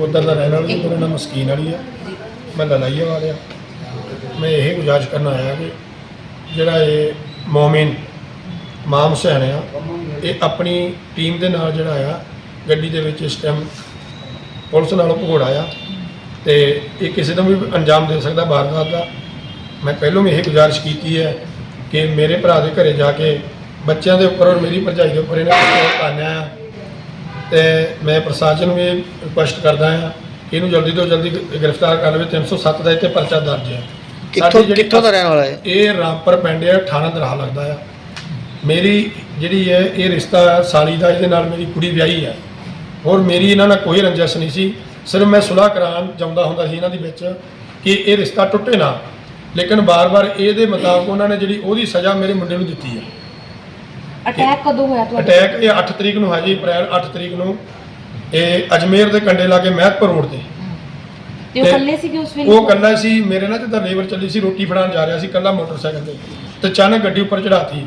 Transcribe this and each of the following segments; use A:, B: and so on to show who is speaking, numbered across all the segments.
A: नकोदर का रहने वाला जी। मेरा नाम मस्कीन अली है, मैं ललाइया वाले। मैं यही गुजारिश करना आया कि जोड़ा ये मोमिन माम हुसैन आ, ये अपनी टीम के नाल जोड़ा आ गड्डी दे विच इस टाइम पुलिस नालों भगौड़ा आ तो ये किसी को भी अंजाम दे सकता वारदात का। मैं पहलों भी यही गुजारिश की है कि मेरे भरा के घरे जाके बच्चों के उपर और मेरी भरजाई के उपर इन्हें पाया तो मैं प्रशासन में रिक्वेस्ट करता हाँ कि इन्हू जल्दी तो जल्दी गिरफ्तार कर ले। 307 का इतने परचा दर्ज है।
B: कित्थों दा रहने वाला है?
A: ये रामपुर पिंड है, थाना दराह लगता है। मेरी जी है ये रिश्ता साली का, ये मेरी कुड़ी ब्याही है और मेरी इन्होंने कोई रंजिश नहीं सी। सिर्फ मैं सुलह करान जाता होंदा सी इन्हां दे विच कि ये रिश्ता टुटे ना, लेकिन बार बार ये मुताबिक उन्होंने जी ओहदी सज़ा मेरे मुंडे नूं दित्ती है।
C: अटैक कदों होया?
A: अटैक ये 8 तरीक नूं है जी, अप्रैल 8 तरीक नूं ये अजमेर के कंडे लागे महतपुर रोड ते।
C: ते वो कल्ले सी कि उस वेले?
A: वो कल्ला सी, मेरे ना जिद्दां लेबर चली सी, रोटी फड़ाउण जा रहा सी कल्ला मोटरसाइकिल ते ते अचानक गड्डी उपर चढ़ाती।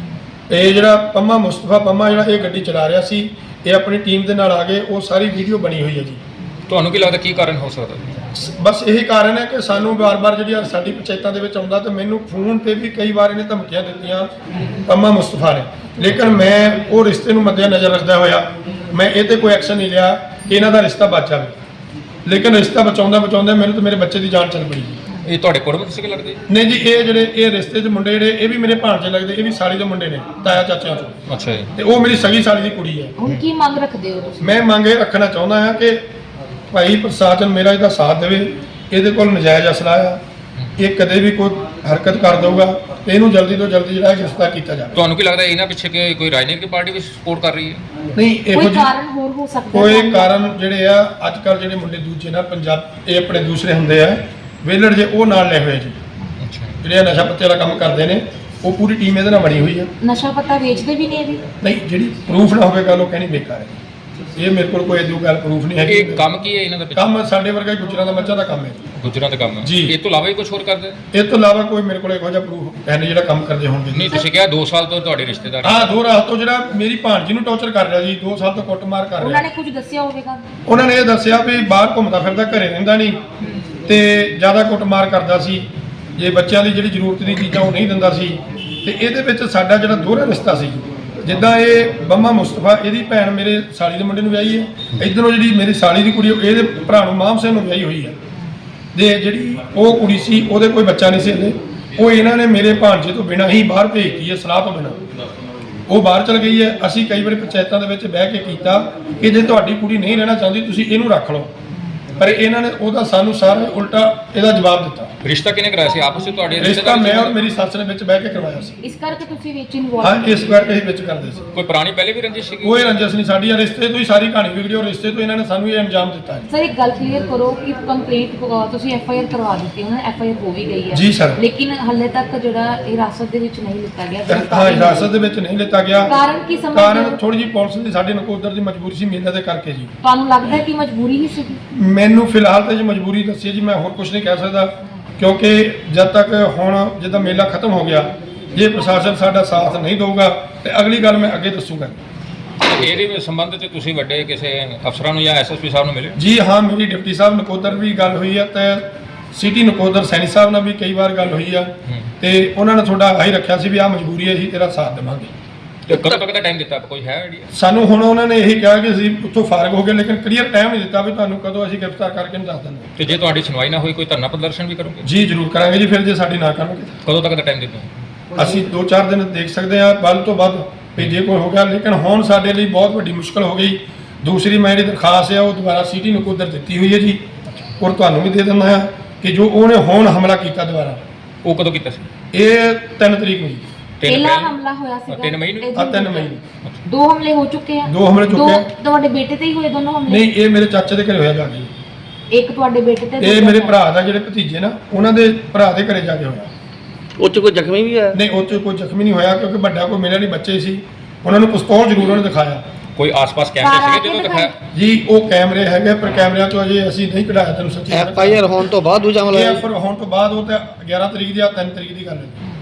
A: ये जिहड़ा पम्मा मुस्तफा पम्मा जिहड़ा ये गड्डी चला रहा सी, ये अपनी टीम के नाल आ गए। वो सारी वीडियो बनी हुई है जी।
D: ਤੁਹਾਨੂੰ ਕੀ ਲੱਗਦਾ ਕੀ ਕਾਰਨ ਹੋ ਸਕਦਾ?
A: बस यही कारण है कि सानू बार बार जी साडी पंचायतों के आउंदा तो मैनू फोन पर भी कई बार इन्हें धमकियां दित्तियां पम्मा मुस्तफा ने, लेकिन मैं वो रिश्ते नूं मद्देनज़र रखदा होया मैं ये तो कोई एक्शन नहीं लिया कि इन्हां दा रिश्ता बच जाए। लेकिन रिश्ता बचाउंदा बचाउंदा मैनू तो मेरे बच्चे की जान चल पई।
D: ਇਹ ਤੁਹਾਡੇ ਕੁੜਮ ਕਿਸੇ ਲੱਗਦੇ?
A: नहीं जी, ये जिहड़े ये रिश्ते च मुंडे जिहड़े ये भी मेरे भाणजे लगदे, ये भी साली दे मुंडे ने, ताया चाचियां चों।
D: ਅੱਛਾ ਜੀ।
A: ते वो मेरी सगी साली की कुड़ी है।
C: ਹੁਣ ਕੀ ਮੰਗ ਰੱਖਦੇ ਹੋ ਤੁਸੀਂ?
A: मैं मंग ये रखना चाहुंदा हां कि भाई प्रशासन मेरा इसका साथ देवे। ये कोल नजायज़ असला आ, ये कदे भी कोई हरकत कर दूगा तो इनू जल्दी तो जल्दी जो गिरफ्तार किया जाए।
D: ਤੁਹਾਨੂੰ ਕੀ ਲੱਗਦਾ ਇਹਨਾਂ ਪਿੱਛੇ ਕਿ ਕੋਈ ਰਾਜਨੀਤਿਕ ਪਾਰਟੀ ਵੀ ਸਪੋਰਟ ਕਰ ਰਹੀ ਹੈ?
A: नहीं
C: कोई कारण होर हो सकता है?
A: कोई कारण जिहड़े आ अजकल जिहड़े मुंडे दूजे ना पंजाब ये अपने दूसरे हुंदे आ वेलड़ जे वो नाल ले हुए जी,
D: ਅੱਛਾ
A: जिहड़े नशा पत्ते वाला काम करते हैं वो पूरी टीम ਇਹਦੇ ਨਾਲ बनी हुई है।
C: नशा पत्ता बेचते भी नहीं अभी?
A: नहीं जिहड़ी प्रूफ ना होवे गल वो कहनी बेकार है। ये मेरे को कोई इदू गल प्रूफ नहीं है।
D: ਇਹ ਕੰਮ ਕੀ ਹੈ ਇਹਨਾਂ ਦਾ?
A: काम साडे वर्गा गुजरां दा मੱਝਾਂ ਦਾ ਕੰਮ है
D: ਗੁਜਰਾਂ ਦਾ ਕੰਮ ਹੈ
A: ਜੀ।
D: ਇਹ ਤੋਂ ਇਲਾਵਾ ਵੀ ਕੁਝ ਹੋਰ ਕਰਦੇ?
A: ਇਹ ਤੋਂ ਇਲਾਵਾ ਕੋਈ ਮੇਰੇ ਕੋਲ ਇਹੋ ਜਿਹਾ ਪ੍ਰੂਫ ਹੈ ਨਹੀਂ ਜਿਹੜਾ ਕੰਮ ਕਰਦੇ ਹੋਣਗੇ।
D: ਨਹੀਂ ਤੁਸੀਂ ਕਿਹਾ 2 ਸਾਲ ਤੋਂ ਤੁਹਾਡੇ ਰਿਸ਼ਤੇਦਾਰ
A: ਹਾਂ 2 ਰਾਤ ਤੋਂ ਜਿਹੜਾ ਮੇਰੀ ਭਾਣਜੀ ਨੂੰ ਟੌਰਚਰ ਕਰ ਰਿਹਾ ਜੀ, 2 ਸਾਲ ਤੋਂ ਕੁੱਟਮਾਰ ਕਰ
C: ਉਹਨਾਂ
A: ਰਿਹਾ।
C: ਨੇ ਕੁਝ ਦੱਸਿਆ ਹੋਵੇਗਾ?
A: ਉਹਨਾਂ ਨੇ ਇਹ ਦੱਸਿਆ ਵੀ ਬਾਹਰ ਘੁੰਮਦਾ ਫਿਰਦਾ, ਘਰੇ ਰਹਿੰਦਾ ਨਹੀਂ ਤੇ ਜ਼ਿਆਦਾ ਕੁੱਟਮਾਰ ਕਰਦਾ ਸੀ। ਜੇ ਬੱਚਿਆਂ ਦੀ ਜਿਹੜੀ ਜ਼ਰੂਰਤ ਦੀ ਚੀਜ਼ਾਂ ਉਹ ਨਹੀਂ ਦਿੰਦਾ ਸੀ ਤੇ ਇਹਦੇ ਵਿੱਚ ਸਾਡਾ ਜਿਹੜਾ ਦੋਹਰਾ ਰਿਸ਼ਤਾ ਸੀ। ਜਿੱਦਾਂ ਇਹ ਬੰਮਾ ਮੁਸਤਫਾ ਇਹਦੀ ਭੈਣ ਮੇਰੇ ਸਾਲੀ ਦੇ ਮੁੰਡੇ ਨੂੰ ਵਿਆਹੀ ਹੈ, ਇੱਧਰੋਂ ਜਿਹੜੀ ਮੇਰੀ ਸਾਲੀ ਦੀ ਕੁੜੀ ਇਹਦੇ ਭਰਾ ਨੂੰ ਮਾਮ ਸਿੰਘ ਨੂੰ ਵਿਆਹੀ ਹੋਈ ਹੈ ਤੇ ਜਿਹੜੀ ਉਹ ਕੁੜੀ ਸੀ ਉਹਦੇ ਕੋਈ ਬੱਚਾ ਨਹੀਂ ਸੀ ਹਲੇ। ਉਹ ਇਹਨਾਂ ਨੇ ਮੇਰੇ ਭਾਣਜੇ ਤੋਂ ਬਿਨਾਂ ਹੀ ਬਾਹਰ ਭੇਜਤੀ ਹੈ, ਸਲਾਹ ਤੋਂ ਬਿਨਾਂ ਉਹ ਬਾਹਰ ਚਲ ਗਈ ਹੈ। ਅਸੀਂ ਕਈ ਵਾਰੀ ਪੰਚਾਇਤਾਂ ਦੇ ਵਿੱਚ ਬਹਿ ਕੇ ਕੀਤਾ ਕਿ ਜੇ ਤੁਹਾਡੀ ਕੁੜੀ ਨਹੀਂ ਰਹਿਣਾ ਚਾਹੁੰਦੀ ਤੁਸੀਂ ਇਹਨੂੰ ਰੱਖ ਲਓ, ਪਰ ਇਹਨਾਂ ਨੇ ਉਹਦਾ ਸਾਨੂੰ ਸਾਰਾ ਉਲਟਾ ਇਹਦਾ ਜਵਾਬ ਦਿੱਤਾ।
D: ਰਿਸ਼ਤਾ ਕਿਹਨੇ ਕਰਾਇਆ ਸੀ ਆਪਸ ਵਿੱਚ ਤੁਹਾਡੇ
A: ਰਿਸ਼ਤਾ ਮੈਂ ਔਰ ਮੇਰੀ ਸੱਸ ਨੇ ਵਿੱਚ ਬਹਿ ਕੇ ਕਰਵਾਇਆ ਸੀ।
C: ਇਸ ਕਰਕੇ ਤੁਸੀਂ ਵਿੱਚ
A: ਹਾਂ
C: ਇਨਵੋਲਵ?
A: ਇਸ ਕਰਕੇ ਅਸੀਂ ਵਿੱਚ ਕਰਦੇ ਸੀ।
D: ਕੋਈ ਪੁਰਾਣੀ ਪਹਿਲੇ ਵੀ ਰੰਜਿਸ਼ ਸੀਗੀ?
A: ਕੋਈ ਰੰਜਿਸ਼ ਨਹੀਂ ਸਾਡੀ, ਰਿਸ਼ਤੇ ਤੋਂ ਹੀ ਸਾਰੀ ਕਹਾਣੀ ਵਿਗੜੀ ਔਰ ਰਿਸ਼ਤੇ ਤੋਂ ਇਹਨਾਂ ਨੇ ਸਾਨੂੰ ਇਹ ਅੰਜਾਮ ਦਿੱਤਾ ਹੈ।
C: ਸਰ ਇੱਕ ਗੱਲ ਕਲੀਅਰ ਕਰੋ ਕਿ ਕੰਪਲੇਂਟ ਤੁਸੀਂ FIR ਕਰਵਾ ਦਿੱਤੀ, ਉਹਨਾਂ FIR ਹੋ ਵੀ ਗਈ ਹੈ
A: ਜੀ ਸਰ।
C: ਲੇਕਿਨ ਹਾਲੇ ਤੱਕ ਜਿਹੜਾ ਹਿਰਾਸਤ ਦੇ ਵਿੱਚ ਨਹੀਂ ਲਿੱਤਾ ਗਿਆ?
A: ਹਾਂ ਹਿਰਾਸਤ ਦੇ ਵਿੱਚ ਨਹੀਂ ਲਿੱਤਾ ਗਿਆ।
C: ਕਾਰਨ ਕੀ ਸਮਝਦੇ
A: ਕਾਰਨ
C: ਹੋ?
A: ਥੋੜੀ ਜਿਹੀ ਪੁਲਿਸ ਦੀ ਸਾਡੇ ਨਕੋਦਰ ਦੀ ਮਜਬੂਰੀ ਸੀ ਮੇਲੇ ਦੇ ਕਰਕੇ ਜੀ।
C: ਤੁਹਾਨੂੰ ਲੱਗਦਾ ਹੈ ਕਿ ਮਜਬੂਰੀ ਹੀ ਸੀ?
A: ਮੈਨੂੰ ਫਿਲਹਾਲ ਤੇ ਜੀ ਮਜਬੂਰੀ ਦੱਸੀ ਜੀ, ਮੈਂ ਹੋਰ ਕੁਝ ਨਹੀਂ ਕਹਿ ਸਕਦਾ ਕਿਉਂਕਿ ਜਦ ਤੱਕ ਹੁਣ ਜਿੱਦਾਂ ਮੇਲਾ ਖਤਮ ਹੋ ਗਿਆ ਜੇ ਪ੍ਰਸ਼ਾਸਨ ਸਾਡਾ ਸਾਥ ਨਹੀਂ ਦੇਊਗਾ ਤੇ ਅਗਲੀ ਗੱਲ ਮੈਂ ਅੱਗੇ ਦੱਸੂਗਾ।
D: ਇਹਦੇ ਸੰਬੰਧ ਚ ਤੁਸੀਂ ਵੱਡੇ ਕਿਸੇ ਅਫਸਰਾਂ ਨੂੰ ਜਾਂ SSP ਸਾਹਿਬ ਨੂੰ ਮਿਲੇ?
A: ਜੀ ਹਾਂ, ਮੇਰੀ ਡਿਪਟੀ ਸਾਹਿਬ ਨਕੋਦਰ ਵੀ ਗੱਲ ਹੋਈ ਹੈ ਤੇ ਸਿਟੀ ਨਕੋਦਰ ਸੈਣੀ ਸਾਹਿਬ ਨਾਲ ਵੀ ਕਈ ਵਾਰ ਗੱਲ ਹੋਈ ਆ ਤੇ ਉਹਨਾਂ ਨੇ ਤੁਹਾਡਾ ਆਹੀ ਰੱਖਿਆ ਸੀ ਵੀ ਆਹ ਮਜਬੂਰੀ ਹੈ, ਅਸੀਂ ਤੇਰਾ ਸਾਥ ਦੇਵਾਂਗੇ।
D: ਤੇ ਕਦੋਂ ਤੱਕ ਦਾ ਟਾਈਮ ਦਿੱਤਾ? ਕੋਈ ਹੈ ਆਈਡੀਆ?
A: ਸਾਨੂੰ ਹੁਣ ਉਹਨਾਂ ਨੇ ਇਹੀ ਕਿਹਾ ਕਿ ਅਸੀਂ ਉੱਥੋਂ ਫਾਰਗ ਹੋ ਗਏ, ਲੇਕਿਨ ਕਲੀਅਰ ਟਾਈਮ ਨਹੀਂ ਦਿੱਤਾ ਵੀ ਤੁਹਾਨੂੰ ਕਦੋਂ ਅਸੀਂ ਗ੍ਰਿਫਤਾਰ ਕਰਕੇ ਨੂੰ ਦੱਸ ਦਿੰਦੇ।
D: ਤੇ ਜੇ ਤੁਹਾਡੀ ਸੁਣਵਾਈ ਨਾ ਹੋਈ ਕੋਈ ਧਰਨਾ ਪ੍ਰਦਰਸ਼ਨ ਵੀ ਕਰੋਗੇ?
A: ਜੀ ਜ਼ਰੂਰ ਕਰਾਂਗੇ ਜੀ, ਫਿਰ ਜੇ ਸਾਡੀ ਨਾ ਕਰਨਗੇ
D: ਕਦੋਂ ਤੱਕ ਦਾ ਟਾਈਮ ਦਿੱਤਾ?
A: ਅਸੀਂ 2-4 ਦਿਨ ਦੇਖ ਸਕਦੇ ਹਾਂ, ਵੱਧ ਤੋਂ ਵੱਧ ਵੀ ਜੇ ਕੋਈ ਹੋ ਗਿਆ। ਲੇਕਿਨ ਹੁਣ ਸਾਡੇ ਲਈ ਬਹੁਤ ਵੱਡੀ ਮੁਸ਼ਕਲ ਹੋ ਗਈ। ਦੂਸਰੀ ਮੈਂ ਜਿਹੜੀ ਦਰਖਾਸਤ ਹੈ ਉਹ ਦੁਬਾਰਾ ਸਿਟੀ ਨਕੋਦਰ ਦਿੱਤੀ ਹੋਈ ਹੈ ਜੀ, ਔਰ ਤੁਹਾਨੂੰ ਵੀ ਦੇ ਦਿੰਦਾ ਹਾਂ ਕਿ ਜੋ ਉਹਨੇ ਹੁਣ ਹਮਲਾ ਕੀਤਾ ਦੁਬਾਰਾ,
D: ਉਹ ਕਦੋਂ ਕੀਤਾ ਸੀ?
A: ਇਹ 3 ਤਰੀਕ ਨੂੰ ਜੀ।
C: ਪਹਿਲਾ ਹਮਲਾ ਹੋਇਆ ਸੀਗਾ
D: 3 ਮਈ ਨੂੰ?
A: 3 ਮਈ ਨੂੰ
C: 2 ਹਮਲੇ ਹੋ ਚੁੱਕੇ ਆ?
A: 2 ਹਮਲੇ ਚੁੱਕੇ ਆ।
C: ਤੁਹਾਡੇ ਬੇਟੇ ਤੇ ਹੀ ਹੋਏ ਦੋਨੋਂ ਹਮਲੇ?
A: ਨਹੀਂ, ਇਹ ਮੇਰੇ ਚਾਚੇ ਦੇ ਘਰੇ ਹੋਇਆ ਜਾ ਕੇ।
C: ਇੱਕ ਤੁਹਾਡੇ ਬੇਟੇ ਤੇ?
A: ਇਹ ਮੇਰੇ ਭਰਾ ਦਾ ਜਿਹੜੇ ਭਤੀਜੇ ਨਾ ਉਹਨਾਂ ਦੇ ਭਰਾ ਦੇ ਘਰੇ ਜਾ ਕੇ ਹੋਇਆ।
B: ਉਹ 'ਚ ਕੋਈ ਜ਼ਖਮੀ ਵੀ ਹੋਇਆ?
A: ਨਹੀਂ, ਉਹ 'ਚ ਕੋਈ ਜ਼ਖਮੀ ਨਹੀਂ ਹੋਇਆ ਕਿਉਂਕਿ ਵੱਡਾ ਕੋਈ ਮਿਲਿਆ ਨਹੀਂ, ਬੱਚੇ ਸੀ। ਉਹਨਾਂ ਨੂੰ ਪਿਸਤੌਲ ਜ਼ਰੂਰ ਉਹਨੇ ਦਿਖਾਇਆ।
D: ਕੋਈ ਆਸ-ਪਾਸ ਕੈਮਰੇ ਸੀਗੇ ਜਦੋਂ ਦਿਖਾਇਆ?
A: ਜੀ ਉਹ ਕੈਮਰੇ ਹੈਗੇ, ਪਰ ਕੈਮਰਿਆਂ ਤੋਂ ਅਜੇ ਅਸੀਂ ਨਹੀਂ ਕਢਾਇਆ। ਤੈਨੂੰ ਸੱਚੀ
B: FIR ਹੋਣ ਤੋਂ ਬਾਅਦ ਦੂਜਾ ਹਮਲਾ?
A: ਇਹ ਫਿਰ ਹੋਣ ਤੋਂ ਬਾਅਦ ਉਹ ਤੇ 11 ਤਰੀਕ ਦੀ ਆ 3 ਤਰੀਕ ਦੀ ਗੱਲ ਹੈ।